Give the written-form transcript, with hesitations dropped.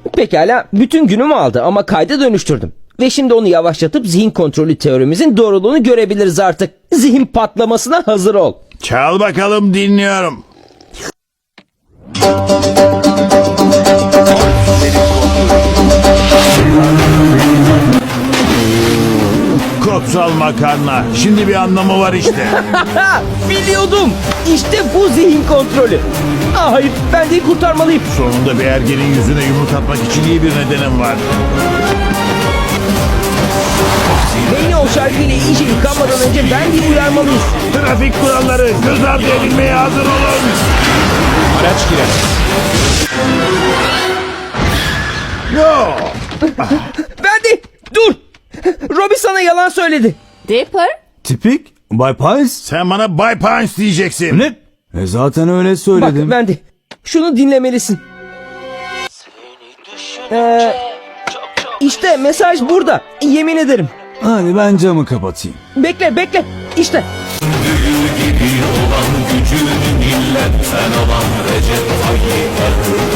Pekala, bütün günümü aldı ama kayda dönüştürdüm. Ve şimdi onu yavaşlatıp zihin kontrolü teorimizin doğruluğunu görebiliriz artık. Zihin patlamasına hazır ol. Çal bakalım, dinliyorum. Kopsal makarna. Şimdi bir anlamı var işte. Ha, biliyordum. İşte bu zihin kontrolü. Hayır, ben de kurtarmalıyım. Sonunda bir ergenin yüzüne yumruk atmak için iyi bir nedenim var. Beni o şarkıyla iyice yıkanmadan önce ben bir uyarmalıyız. Trafik kuralları göz ardı edilmeye hazır olun. Araç girer. Yo. Verdi, dur. Robbie sana yalan söyledi. Dipper? Tipik Bay Pies. Sen bana Bay Pines diyeceksin. Ne? Zaten öyle Bak söyledim. Wendy, şunu dinlemelisin. İşte mesaj burada. Yemin ederim. Hadi ben camı kapatayım. Bekle. İşte. Olan gücünü milletten alan Recep Tayyip Erdoğan.